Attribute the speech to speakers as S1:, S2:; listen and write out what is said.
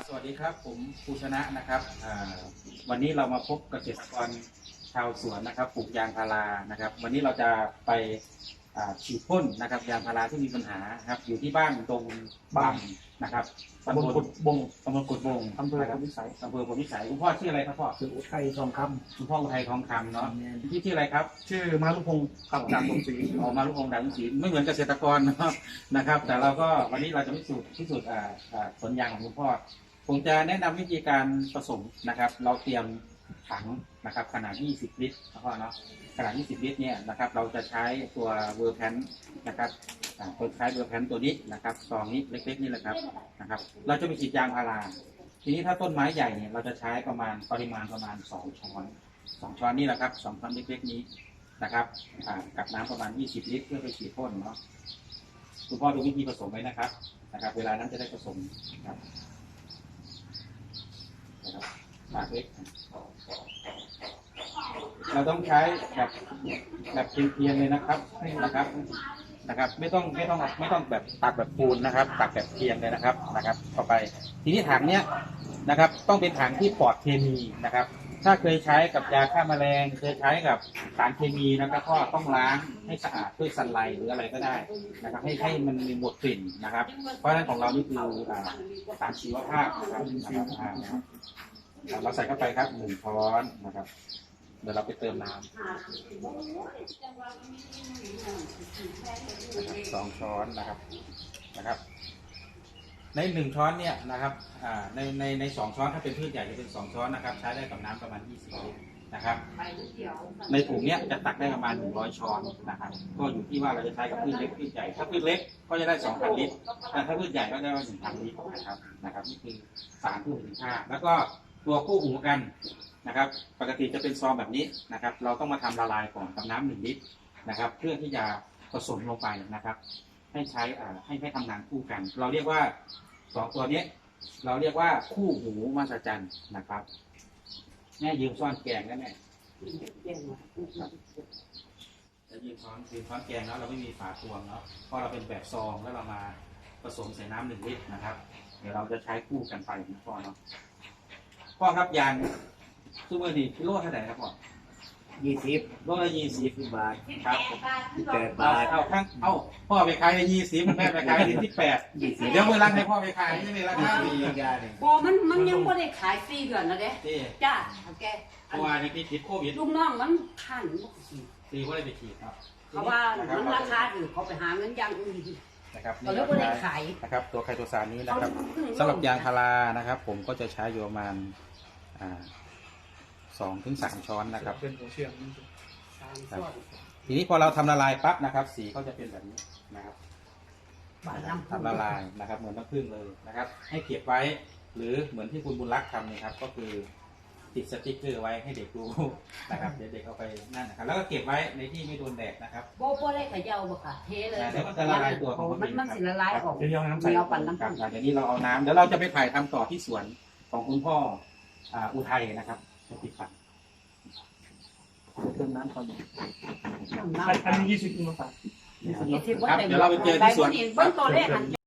S1: สวัสดีครับผมภูชนะนะครับวันนี้เรามาพบเกษตรกรชาวสวนนะครับปลูกยางพารานะครับวันนี้เราจะไปฉีดพ่นนะครับยางพาราที่มีปัญหาครับอยู่ที่บ้านดงบังนะครับตำบลกุดบงอำเภอพลวิสัยคุณพ่อชื่ออะไรครับพ่อ
S2: ชื่ออุทัยทองคำ
S1: คุณพ่ออุทัยทองคำเนาะที่ชื่ออะไรครับ
S2: ชื่อมาลุพงศ์ขับจากสมศรี
S1: ออกมาลุพงศ์ดังศรีไม่เหมือนเกษตรกรนะครับแต่เราก็วันนี้เราจะพิสูจน์สวนยางของคุณพ่อผมจะแนะนำวิธีการผสมนะครับเราเตรียมถังนะครับขนาด20 ลิตรนะพ่อเนาะขนาด20 ลิตรเนี่ยนะครับเราจะใช้ตัวเวอร์แพนนะครับตัวใช้เวอร์แพนตัวนี้นะครับซองนี้เล็กๆนี่แหละครับนะครับเราจะไปฉีดยางพาราทีนี้ถ้าต้นไม้ใหญ่เนี่ยเราจะใช้ปริมาณประมาณ2 ช้อนนี่แหละครับ2 ช้อนเล็กๆนี้นะครับกับน้ำประมาณ20 ลิตรเพื่อไปฉีดพ่นเนาะคุณพ่อดูวิธีผสมไว้นะครับเวลานั้นจะได้ผสมครับปากเล็กเราต้องใช้แบบเพียงๆเลยนะครับไม่ต้องแบบตักแบบปูนนะครับตักแบบเพียงเลยนะครับต่อไปทีนี้ถังเนี้ยนะครับต้องเป็นถังที่ปลอดเคมีนะครับถ้าเคยใช้กับยาฆ่าแมลงเคยใช้กับสารเคมีนะครับก็ต้องล้างให้สะอาดด้วยซันไลท์หรืออะไรก็ได้นะครับให้มันมีหมดกลิ่นนะครับเพราะฉะนั้นของเรานี่คือสารชีวภาพนะครับเราใส่เข้าไปครับ1 ช้อนนะครับเดี๋ยวเราไปเติมน้ำ2 ช้อนนะครับใน1 ช้อนเนี่ยนะครับใน2 ช้อนถ้าเป็นพืชใหญ่จะเป็น2 ช้อนนะครับใช้ได้กับน้ำประมาณ20 ลิตรนะครับในถุงเนี้ยจะตักได้ประมาณ100 ช้อนนะครับก็อยู่ที่ว่าเราจะใช้กับพืชเล็กพืชใหญ่ถ้าพืชเล็กก็จะได้2,000 ลิตรแต่ถ้าพืชใหญ่ก็ได้1,000 ลิตรนะครับนี่คือสารคู่หูค่าแล้วก็ตัวคู่หูกันนะครับปกติจะเป็นซองแบบนี้นะครับเราต้องมาทำละลายก่อนกับน้ำ1 ลิตรนะครับเพื่อที่จะผสมลงไปนะครับให้ใช้ให้ทำงานคู่กันเราเรียกว่า2 ตัวนี้เราเรียกว่าคู่หูมหัศจรรย์นะครับแม่ยืมช้อนแกงได้ไหมจะยืมช้อนแกงแล้วเราไม่มีฝาตวงเนาะเพราะเราเป็นแบบซองแล้วเรามาผสมใส่น้ำ1 ลิตรนะครับเดี๋ยวเราจะใช้คู่กันไปนะพ่อเนาะพ่อครับยางซูเปอร์ดีกิโลเท่าไหร่ครับพ่อ
S2: 20
S1: โลละ20
S2: บาท
S1: ครับ
S2: 8 บาท
S1: เอาพ่อไปขายใน20แม่ไปขายใน18เดี๋ยวเวลาให้พ่อไปขายนี่ไม่ราคาดี
S3: บอมันยังไม่ได้ขายฟรีเดือนนะเด้จ้าแก
S1: เพราะว่าในที่ติดโควิด
S3: ลูกน้องมันขัน
S1: ฟรีก็เลยไปฉีดครับ
S3: เขาว่ามันราคาถือเขาไปหาเงินอย่างอื่น
S1: นะครับ
S3: เขาเลยไม่ได้ขาย
S1: นะครับตัวไคโตซานนี้นะครับสำหรับยางพารานะครับผมก็จะใช้อยู่ประมาณ2 ถึง 3 ช้อนนะครับทีนี้พอเราทำละลายปั๊บนะครับสีก็จะเป็นแบบนี้นะครับทำละลายนะครับเหมือนน้ำผึ้งเลยนะครับให้เก็บไว้หรือเหมือนที่คุณบุญรักษ์ทำนี่ครับก็คือติดสติ๊กเกอร์ไว้ให้เด็กดูนะครับเด็กเอาไปนั่นนะครับแล้วก็เก็บไว้ในที่ไม่โดนแดดนะครับ
S3: โบได้ขยาวบ่ค่ะเทเลย
S1: เดี๋ยวมันจะละลายตัวของ
S3: มันสิละลายออก
S1: เดี๋ยวน้ำใส่ปั่นน้ำผึ้งเดี๋ยวนี้เราเอาน้ำเดี๋ยวเราจะไปถ่ายทำต่อที่สวนของคุณพ่ออุทัยนะครับจะติดปั่น
S2: เติมน้ำก่อน
S3: อันนี้
S2: 20 กิโลครับ
S1: เดี๋ยวเราไปเจอที่สวน